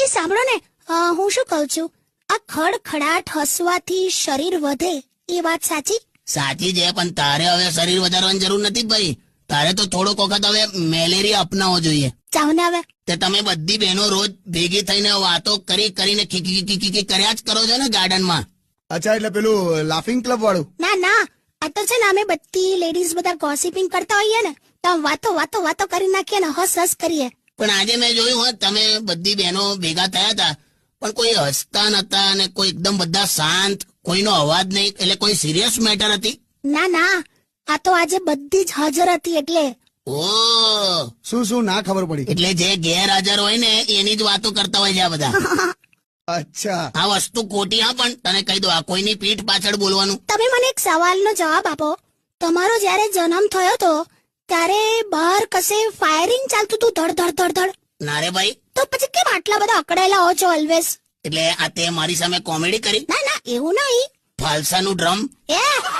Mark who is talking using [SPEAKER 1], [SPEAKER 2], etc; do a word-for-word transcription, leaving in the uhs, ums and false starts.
[SPEAKER 1] એ સાંભળો ને, અ, હું શું કહું છું, આ ખડખડાટ હસવાથી શરીર વધે એ વાત સાચી?
[SPEAKER 2] સાચી છે, પણ તારે હવે શરીર વધારવાની જરૂર નથી ભાઈ. તારે તો થોડોક વખત હવે મેલેરિયા અપનાવવો જોઈએ.
[SPEAKER 1] ચાવ ને હવે.
[SPEAKER 2] તે તમે બધી બહેનો રોજ ભેગી થઈને વાતો કરી કરીને ખીખી ખીખી ખીખી કર્યા જ કરો છો ને ગાર્ડનમાં.
[SPEAKER 3] અચ્છા, એટલે પેલું લાફિંગ ક્લબ વાળું?
[SPEAKER 1] ના ના, આ તો છે ને અમે બધી લેડીઝ બધા ગોસિપિંગ કરતા હોઈએ ને, તો આમ વાતો વાતો વાતો કરી નાખીએ ને હસ હસ કરીએ.
[SPEAKER 2] પણ આજે મેં જોયું હોત તમે બધી બહેનો ભેગા થયા હતા, પણ કોઈ હસતા નતા અને કોઈ એકદમ બધા શાંત, કોઈનો અવાજ નહીં. એટલે કોઈ સિરિયસ મેટર હતી?
[SPEAKER 1] ના ના, આ તો આજે બધી જ હાજર હતી એટલે.
[SPEAKER 2] ઓ,
[SPEAKER 3] શું શું ના ખબર પડી?
[SPEAKER 2] એટલે જે ગેરહાજર હોય ને એની જ વાતો કરતા હોય છે આ બધા.
[SPEAKER 3] અચ્છા,
[SPEAKER 2] આ વસ્તુ ખોટી. હા, પણ તને કહી દો, આ કોઈની પીઠ પાછળ બોલવાનું.
[SPEAKER 1] તમે મને એક સવાલનો જવાબ આપો. તમારો જ્યારે જન્મ થયો તો ત્યારે બહાર કશે ફાયરિંગ ચાલતું હતું, ધડ ધડ ધડ ધડ?
[SPEAKER 2] ના રે ભાઈ.
[SPEAKER 1] તો પછી કેમ આટલા બધા અકળાયેલા હો છો ઓલવેઝ?
[SPEAKER 2] એટલે આ તે મારી સામે કોમેડી કરી?
[SPEAKER 1] ના ના, એવું નહીં.
[SPEAKER 2] ફાલસાનું ડ્રમ.
[SPEAKER 1] એ